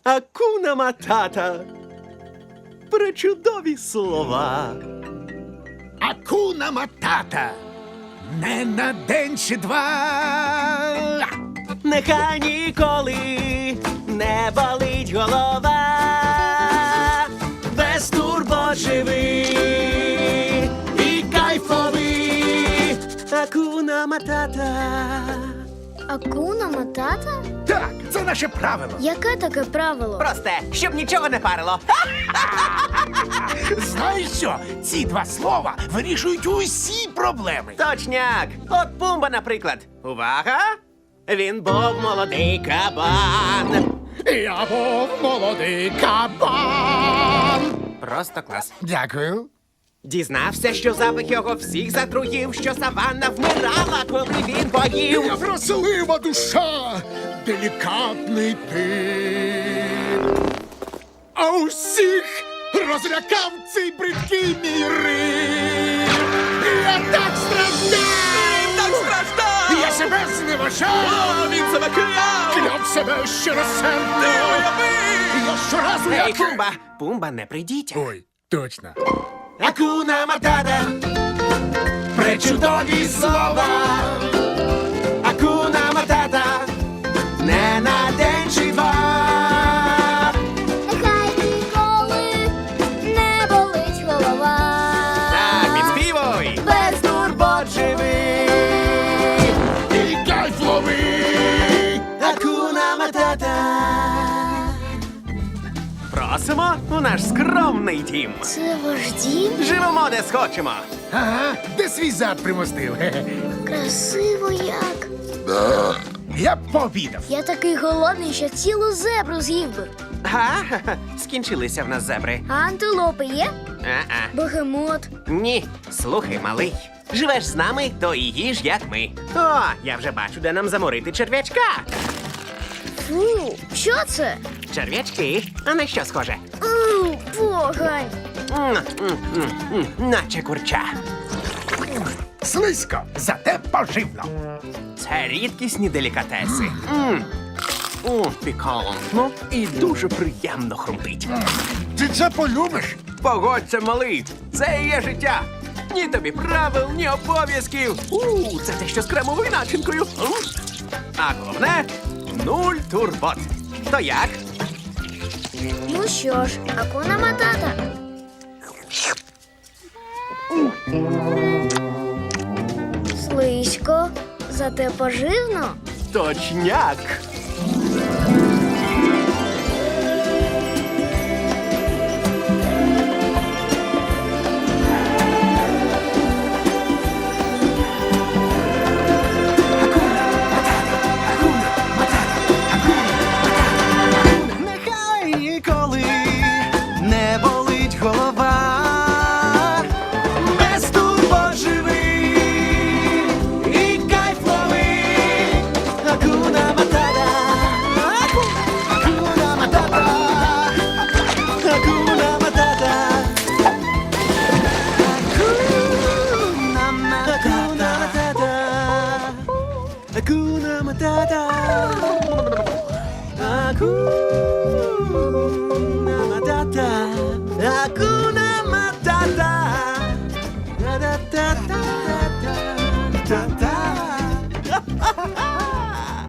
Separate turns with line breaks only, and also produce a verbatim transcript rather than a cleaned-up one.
Акуна матата. Пречудові слова.
Акуна матата. Не на день чи два.
Нехай ніколи не болить голова. Без турбот живи і кайфови. Акуна матата.
Акуна матата?
Так, це наше правило.
Яке таке правило?
Просте, щоб нічого не парило.
Знаєш що? Ці два слова вирішують усі проблеми.
Точняк. От Пумба, наприклад. Увага! Він був молодий кабан.
Я був молодий кабан.
Просто клас.
Дякую.
Дізнався, що запах його всіх затруїв, що саванна вмирала, коли він поїв.
Я вразлива душа, делікатний ти. А усіх розлякав цей бридкий мій рим. Я так страждав!
Так страждав!
Я себе зневажав!
Він себе кляв!
Кляв себе щиросердно! Я щоразу
Ей,
як...
Пумба! Пумба, не прийдіть.
Ой, точно.
Акуна матата, пречудові слова. Акуна матата, не на день чи два.
Нехай ніколи не болить голова.
Так, підспівуй. Без турбот живи.
І кайф лови!
Акуна матата. Просимо у наш скромний дім.
Це ваш дім?
Живемо, де схочемо.
Ага, де свій зад примостив. Хе-хе.
Красиво як.
Я б пообідав.
Я такий голодний, що цілу зебру з'їв би.
Га? Скінчилися в нас зебри.
А антилопи є?
А-а.
Бегемот.
Ні, слухай, малий. Живеш з нами, то і їж, як ми. О, я вже бачу, де нам заморити черв'ячка.
Фу, що це?
Черв'ячки, а на що схоже?
У, погань.
М, м, м, м, Наче курча.
Слизько, зате поживно.
Це рідкісні делікатеси. М. О, пікантно і дуже приємно хрумтить.
Ти це полюбиш?
Погодься, малий, це і є життя. Ні тобі правил, ні обов'язків. У, це те, що з кремовою начинкою. М. А головне — нуль турбот. То як?
Ну що ж, акуна матата. Слизько, зате поживно.
Точняк. Нехай ніколи не болить голова. Без турбот живи і кайф лови. Акуна матата. Акуна матата. Акуна матата. Акуна матата. Акуна матата. Акуна